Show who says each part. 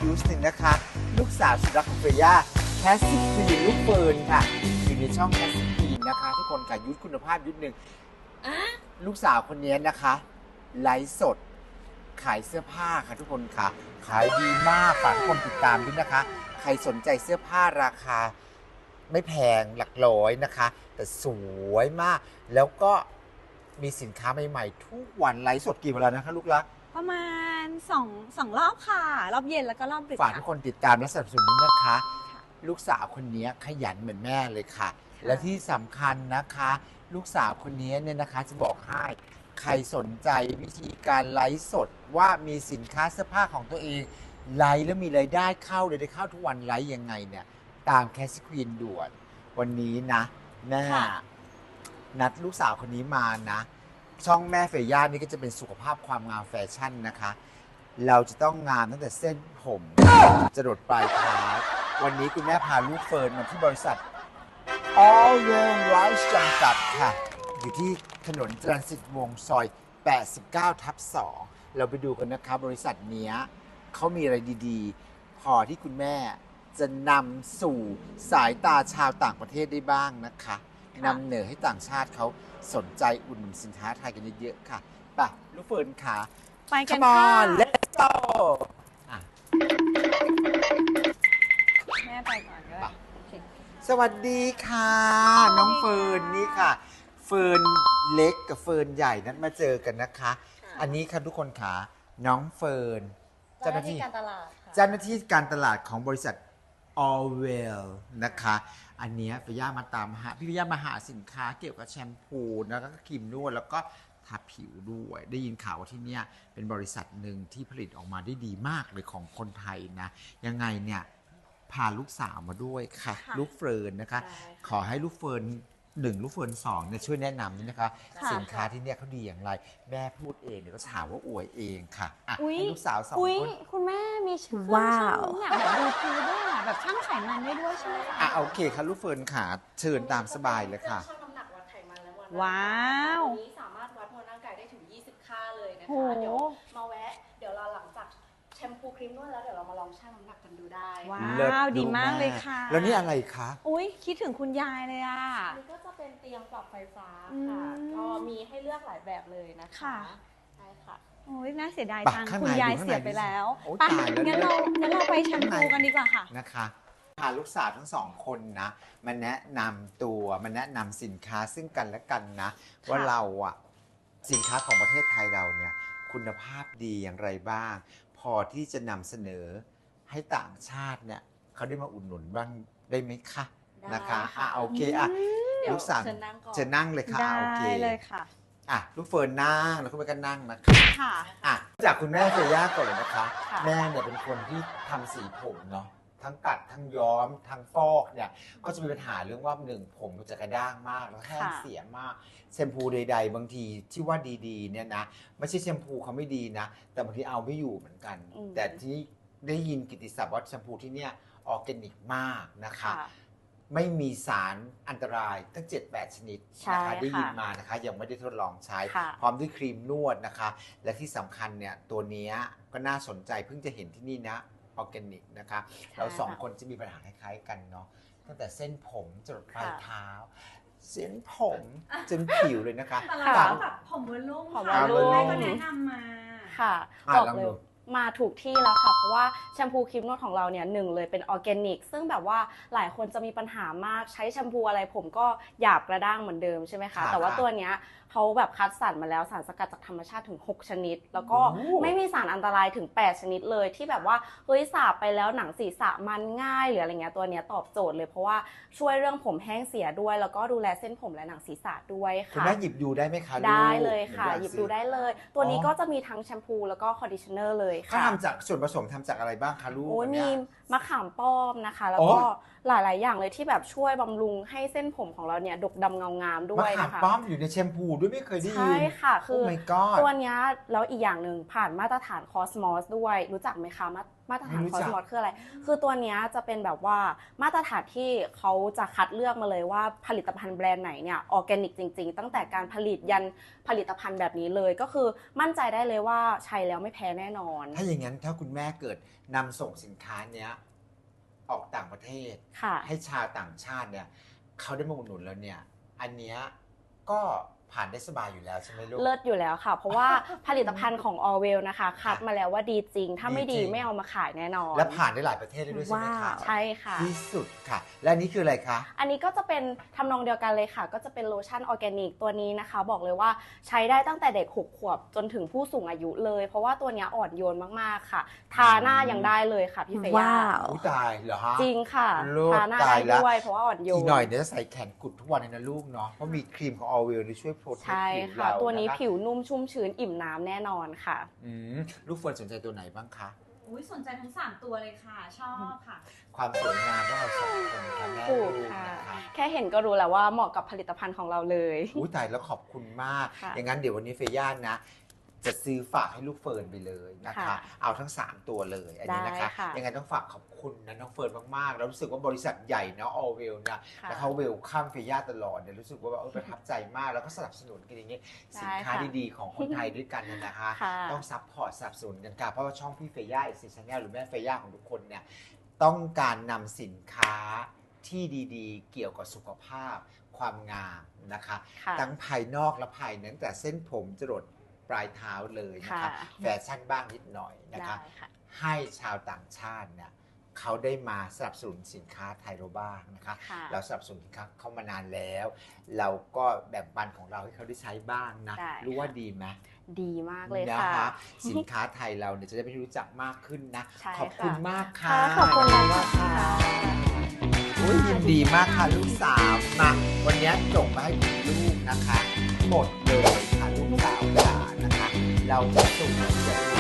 Speaker 1: ยูสหนึ่งนะคะลูกสาวสุดรักของเฟย่าแคสซี่ควีนลูกเฟิร์นค่ะอยู่ในช่องแคสซี่ควีนนะคะทุกคนค่ะยุทธคุณภาพยุทธหนึ่งลูกสาวคนนี้นะคะไลฟ์สดขายเสื้อผ้าค่ะทุกคนค่ะขายดีมากฝากทุกคนติดตามด้วยนะคะใครสนใจเสื้อผ้าราคาไม่แพงหลักร้อยนะคะแต่สวยมากแล้วก็มีสินค้าใหม่ๆทุกวันไลฟ์สดกี่เวลานะคะลูกรัก
Speaker 2: ประมาณ2รอบค่ะรอบเย็นแล้วก็รอบดึก
Speaker 1: ฝากทุกคนติดตามและสนับสนุนด้วยนะคะลูกสาวคนนี้ขยันเหมือนแม่เลยค่ะและที่สำคัญนะคะลูกสาวคนนี้เนี่ยนะคะจะบอกให้ใครสนใจวิธีการไลฟ์สดว่ามีสินค้าเสื้อผ้าของตัวเองไลฟ์แล้วมีรายได้เข้าเลยได้เข้าทุกวันไลฟ์ยังไงเนี่ยตามแคสซี่ควีนด่วนวันนี้นะแม่นัดลูกสาวคนนี้มานะช่องแม่เฟย่านี่ก็จะเป็นสุขภาพความงามแฟชั่นนะคะเราจะต้องงามตั้งแต่เส้นผมจรดปลายเท้าวันนี้คุณแม่พาลูกเฟิร์นมาที่บริษัท All Well Rice จำกัดค่ะอยู่ที่ถนนจรัญสิทธิ์วงศ์ซอย 89/2 เราไปดูกันนะคะบริษัทเนี้ยเขามีอะไรดีๆพอที่คุณแม่จะนำสู่สายตาชาวต่างประเทศได้บ้างนะคะนำเหนือให้ต่างชาติเขาสนใจอุดหนุนสินค้าไทยกันเยอะๆค่ะไปลูกเฟิร์นค่ะ
Speaker 2: ไปกัน
Speaker 1: Come
Speaker 2: ค่ะ
Speaker 1: on let's go
Speaker 2: แม่ไปก่อนก็ได้
Speaker 1: สวัสดีค่ะน้องเฟิร์นนี่ค่ะเฟิร์นเล็กกับเฟิร์นใหญ่นั้นมาเจอกันนะคะอันนี้ค่ะทุกคนค่ะน้องเฟิร์นเจ้าหน้าที่การตลาดของบริษัท Allwell นะคะอันนี้พี่ย่ามาตามหาพี่ย่ามาหาสินค้าเกี่ยวกับแชมพูแล้วก็ครีมนวดแล้วก็ทาผิวด้วยได้ยินข่าวว่าที่นี่เป็นบริษัทหนึ่งที่ผลิตออกมาได้ดีมากเลยของคนไทยนะยังไงเนี่ยพาลูกสาวมาด้วยค่ะลูกเฟิร์นนะคะขอให้ลูกเฟิร์น1ลูกเฟิร์น2เนี่ยช่วยแนะนำด้วยนะคะสินค้าที่เนี่ยเขาดีอย่างไรแม่พูดเองเดี๋ยวก็ถามว่าอวยเองค่ะให้ลูกสาว2คน
Speaker 2: คุณแม่มีเครื่องชั่งน้ำหนักแบบดูทูด้วยแบบชั่งไขมันได้ด้วยใช่ไหมคะ
Speaker 1: โอเคค่ะลูกเฟิร์นค่ะเชิญตามสบายเลยค่ะ
Speaker 3: ชั่งน้ำหนักวัดไขมันและมวล
Speaker 2: ว้าว
Speaker 3: วันนี้สามารถวัดมวลร่างกายได้ถึง20ค่าเลยนะคะเดี๋ยวมาแวะเดี๋ยวเราหลังจากแชมพูครีมนวดแล้วเดี๋ยวเรามาลองชั่งน้ำหนักกันดูได้
Speaker 2: ว้าวดีมากเลยค่ะ
Speaker 1: แล้วนี่อะไรคะ
Speaker 2: คิดถึงคุณยายเลยอ่ะ
Speaker 3: นี่ก็จะเป็นเตียงปรับไฟฟ้าค่ะก็มีให้เลือกหลายแบบเลยนะคะใช่ค่ะ
Speaker 2: น่าเสียดายจังคุณยายเสียไปแล้วไปงั้นเราไปแชมพูกันดีกว่าค่ะ
Speaker 1: นะคะพาลูกสาวทั้ง2คนนะมาแนะนำตัวมาแนะนำสินค้าซึ่งกันและกันนะว่าเราสินค้าของประเทศไทยเราเนี่ยคุณภาพดีอย่างไรบ้างพอที่จะนำเสนอให้ต่างชาติเนี่ยเขาได้มาอุดหนุนบ้างได้ไหมคะนะคะโอเคลูกสาวจะนั่งเลยค่ะโอเค
Speaker 2: เลยค่ะ
Speaker 1: ลูกเฟิร์นนั่งแล้วคุณแม่ก็นั่งนะคะจากคุณแม่เฟย่าก่อนเลยนะคะแม่เนี่ยเป็นคนที่ทำสีผมเนาะทั้งกัดทั้งย้อมทั้งฟอกเนี่ยก็จะมีปัญหาเรื่องว่าผมมันจะกระด้างมากแล้วแห้งเสียมากแชมพูใดๆบางทีที่ว่าดีๆเนี่ยนะไม่ใช่แชมพูเขาไม่ดีนะแต่บางทีเอาไม่อยู่เหมือนกันแต่ที่ได้ยินกิตติศัพท์ว่าแชมพูที่เนี่ยออร์แกนิกมากนะคะไม่มีสารอันตรายตั้ง 7-8 ชนิดนะคะได้ยินมานะคะยังไม่ได้ทดลองใช้พร้อมด้วยครีมนวดนะคะและที่สำคัญเนี่ยตัวนี้ก็น่าสนใจเพิ่งจะเห็นที่นี่นะออร์แกนิกนะคะเรา2คนจะมีปัญหาคล้ายๆกันเนาะตั้งแต่เส้นผมจรดปลายเท้าเส้นผมจนผิวเลยนะคะ
Speaker 2: แบบผมวอลลุ่มแม่ก็แนะนำมา
Speaker 3: ค่ะบอกเลยมาถูกที่แล้วค่ะเพราะว่าแชมพูครีมนวดของเราเนี่ย1เลยเป็นออร์แกนิกซึ่งแบบว่าหลายคนจะมีปัญหามากใช้แชมพูอะไรผมก็หยาบกระด้างเหมือนเดิมใช่ไหมคะแต่ว่าตัวเนี้ยเขาแบบคัดสรรมาแล้วสารสกัดจากธรรมชาติถึง6ชนิดแล้วก็ไม่มีสารอันตรายถึง8ชนิดเลยที่แบบว่าสระไปแล้วหนังศีรษะมันง่ายหรืออะไรเงี้ยตัวเนี้ยตอบโจทย์เลยเพราะว่าช่วยเรื่องผมแห้งเสียด้วยแล้วก็ดูแลเส้นผมและหนังศีรษะด้วยค่ะ
Speaker 1: คุณแม่หยิบดูได้ไหมคะ
Speaker 3: ได้เลยค่ะหยิบดูได้เลยตัวนี้ก็จะมีทั้งแชมพูแล้วก็คอนดิชเนอร์เลยค่ะ
Speaker 1: ทำจากส่วนผสมทำจากอะไรบ้างคะลูก
Speaker 3: มีมะขามป้อมนะคะแล้วก็หลายๆอย่างเลยที่แบบช่วยบำรุงให้เส้นผมของเราเนี่ยดกดำเงางามด้ว
Speaker 1: มะ
Speaker 3: ย
Speaker 1: ขาม
Speaker 3: นะคะ
Speaker 1: ป้อมอยู่ในแชมพูด้วยไม่เคยได้ยิน
Speaker 3: ใช่ค่ะคือ
Speaker 1: Oh my god
Speaker 3: ตัวเนี้ยแล้วอีกอย่างหนึ่งผ่านมาตรฐานคอสมอสด้วยรู้จักไหมคะมาตรฐาน
Speaker 1: ไม่รู้
Speaker 3: คอ
Speaker 1: จั
Speaker 3: ส
Speaker 1: ก
Speaker 3: มอสคืออะไรคือตัวเนี้ยจะเป็นแบบว่ามาตรฐานที่เขาจะคัดเลือกมาเลยว่าผลิตภัณฑ์แบรนด์ไหนเนี่ยออร์แกนิกจริงๆตั้งแต่การผลิตยันผลิตภัณฑ์แบบนี้เลยก็คือมั่นใจได้เลยว่าใช้แล้วไม่แพ้แน่นอน
Speaker 1: ถ้าอย่างนั้นถ้าคุณแม่เกิดนำส่งสินค้าเนี้ยออกต่างประเทศ
Speaker 3: ค่ะ
Speaker 1: ให้ชาวต่างชาติเนี่ยเขาได้มาอุดหนุนแล้วเนี่ยอันเนี้ยก็ผ่านได้สบายอยู่แล้วใช่ไหมลูก
Speaker 3: เลิศอยู่แล้วค่ะ เพราะว่าผลิตภัณฑ์ของ Orwell นะคะคัดมาแล้วว่าดีจริง ถ้าไม่
Speaker 1: ดี
Speaker 3: ดี
Speaker 1: จริง
Speaker 3: ไม่เอามาขายแน่นอน
Speaker 1: และผ่านได้หลายประเทศเลยด้วยใช่ไหมคะ
Speaker 3: ใช่ค่ะ
Speaker 1: ที่สุดค่ะ และอันนี้คืออะไรคะ
Speaker 3: อันนี้ก็จะเป็นทำนองเดียวกันเลยค่ะ ก็จะเป็นโลชั่นออร์แกนิกตัวนี้นะคะ บอกเลยว่าใช้ได้ตั้งแต่เด็ก6 ขวบจนถึงผู้สูงอายุเลย เพราะว่าตัวเนี้ยอ่อนโยนมากๆค่ะ ทาหน้ายังได้เลยค่ะพี่เฟย่า
Speaker 2: ว้าว
Speaker 1: อุ้ยตายเหรอฮะ
Speaker 3: จริงค่ะ
Speaker 1: โลด
Speaker 3: ทาหน้า
Speaker 1: ตา
Speaker 3: ได้
Speaker 1: ยแล้ว
Speaker 3: ด้วยเพราะว่าอ่อนโยน
Speaker 1: อีกหน่อยเดี๋ยวจะใส่แขนกุดทุกวันเลยนะลูกเนาะเพราะมีครีมของ Orwell ที่ช่วยโปรเทค
Speaker 3: ใช่
Speaker 1: ผิว
Speaker 3: ค่ะ
Speaker 1: เรา
Speaker 3: ตัวนี้
Speaker 1: ะคะ
Speaker 3: ผิวนุ่มชุ่มชื้นอิ่มน้ำแน่นอนค่ะ
Speaker 1: ลูกเฟิร์นสนใจตัวไหนบ้างคะ
Speaker 4: อุ๊ยสนใจทั้ง 3 ตัวเลยค่ะ ชอบค่ะ
Speaker 1: ความสวยงามของเราสองคนค่ะแม่
Speaker 3: ถู
Speaker 1: ลู
Speaker 3: ก
Speaker 1: ก
Speaker 3: ค่ะ
Speaker 1: นะคะ
Speaker 3: แค่เห็นก็รู้แล้วว่าเหมาะกับผลิตภัณฑ์ของเราเลย
Speaker 1: อุ้ยตายแล้วขอบคุณมาก
Speaker 3: ค่ะ
Speaker 1: อย่างนั้นเดี๋ยววันนี้เฟย่านะ จะซื้อฝากให้ลูกเฟิร์นไปเลยนะคะ
Speaker 3: ค่ะ
Speaker 1: เอาทั้ง 3 ตัวเลยอันนี้นะคะ
Speaker 3: ได้ค่ะ
Speaker 1: ยังไงต้องฝากขอบคุณนะน้องเฟิร์นมากๆ แล้วรู้สึกว่าบริษัทใหญ่เนาะ Orwell นะ
Speaker 3: ค่ะ
Speaker 1: แล้วเขาเวลคัมเฟย่าตลอดเนี่ยรู้สึกว่าแบบประทับใจมากแล้วก็สนับสนุนกันอย่างนี้สินค้า
Speaker 3: ได้ค่ะ
Speaker 1: ดีๆของคนไทยด้วยกันเนี่ยนะคะ
Speaker 3: ค่ะ
Speaker 1: ต้องซัพพอร์ตสนับสนุนกันค่ะเพราะว่าช่องพี่เฟย่าเอชแนลหรือแม่เฟย่าของทุกคนเนี่ยต้องการนำสินค้าที่ดีๆ เกี่ยวกับสุขภาพความงามนะคะ
Speaker 3: ค่ะ
Speaker 1: ทั้งภายนอกและภายในตั้งแต่เส้นผมจรดปลายเท้าเลยนะคะ
Speaker 3: ค่ะ
Speaker 1: แฟชั่นบ้างนิดหน่อยนะคะ
Speaker 3: ได้ค่ะ
Speaker 1: ให้ชาวต่างชาติเนี่ยเขาได้มาสนับสนุนสินค้าไทยเราบ้างนะคะ
Speaker 3: ค่ะ
Speaker 1: เราสนับสนุนสินค้าเขามานานแล้ว เราก็แบ่งปันของเราให้เขาได้ใช้บ้างนะ
Speaker 3: ได้
Speaker 1: รู้ว่าดีไหม
Speaker 3: ดีมากเลย
Speaker 1: นะ
Speaker 3: ค่ะ
Speaker 1: คะสินค้าไทยเราเนี่ยจะได้ไปรู้จักมากขึ้นนะ
Speaker 3: ใช่
Speaker 1: ขอบคุณ
Speaker 3: ค่ะ
Speaker 1: มากค่ะ
Speaker 3: ค่ะขอบคุณมากค่ะ
Speaker 1: อุ๊ยยินดีมากค่ะลูกสาวมาวันนี้ส่งมาให้คุณลูกนะคะ หมดเลยค่ะลูกสาวจ๋านะคะ เราจะส่งจะดู